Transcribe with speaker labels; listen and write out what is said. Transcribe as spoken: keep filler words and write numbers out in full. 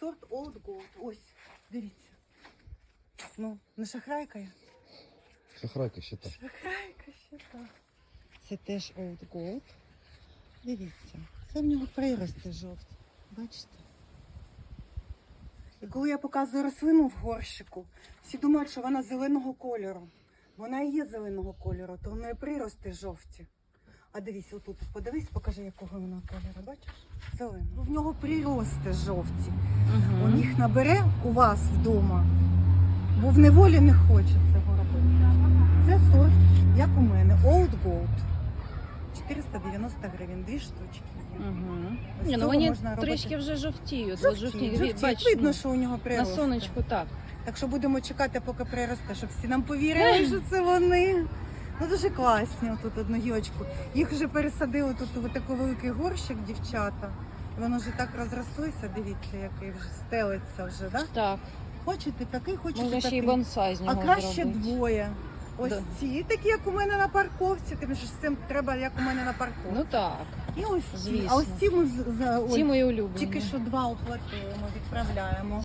Speaker 1: сорт Old Gold. Ось, дивіться. Ну, не шахрайка я?
Speaker 2: Шахрайка ще так.
Speaker 1: Шахрайка ще так. Це теж Old Gold. Дивіться. Це в нього прирости жовті. Бачите? І коли я показую рослину в горщику, всі думають, що вона зеленого кольору. Вона і є зеленого кольору, то в неї прирости жовті. А дивись, отут, подивись, покажи, якого вона кольору, бачиш? Зеленого. В нього прирости жовті.
Speaker 3: Угу.
Speaker 1: Он їх набере у вас вдома, бо в неволі не хоче цього робити. Це сорт, як у мене, Old Gold. чотириста дев'яносто гривень, дві штучки є.
Speaker 3: Угу.
Speaker 1: Ось
Speaker 3: Ні, ну
Speaker 1: цього
Speaker 3: вони
Speaker 1: можна робити.
Speaker 3: трішки вже жовтіють.
Speaker 1: Жовті,
Speaker 3: жовтіють.
Speaker 1: жовті.
Speaker 3: Бач,
Speaker 1: Видно,
Speaker 3: ну,
Speaker 1: що у нього
Speaker 3: на
Speaker 1: прирости.
Speaker 3: сонечку так.
Speaker 1: Так що будемо чекати, поки приросте, щоб всі нам повірили, що це вони. Ну дуже класні, отут одну гілочку. Їх вже пересадили тут у такий великий горщик, дівчата. І воно вже так розрослося, дивіться, який вже стелиться вже, да?
Speaker 3: Так.
Speaker 1: Хочете такий, хочете
Speaker 3: Можна ще й
Speaker 1: такий.
Speaker 3: бонсай з
Speaker 1: А
Speaker 3: нього
Speaker 1: краще
Speaker 3: зробити.
Speaker 1: двоє. Ось
Speaker 3: Да.
Speaker 1: ці, такі, як у мене на парковці, тим що з цим треба, як у мене на парковці.
Speaker 3: Ну так.
Speaker 1: І ось ці.
Speaker 3: звісно.
Speaker 1: А ось ці ми з- за- ой,
Speaker 3: Ці мої улюблені.
Speaker 1: тільки що два оплатили, ми відправляємо.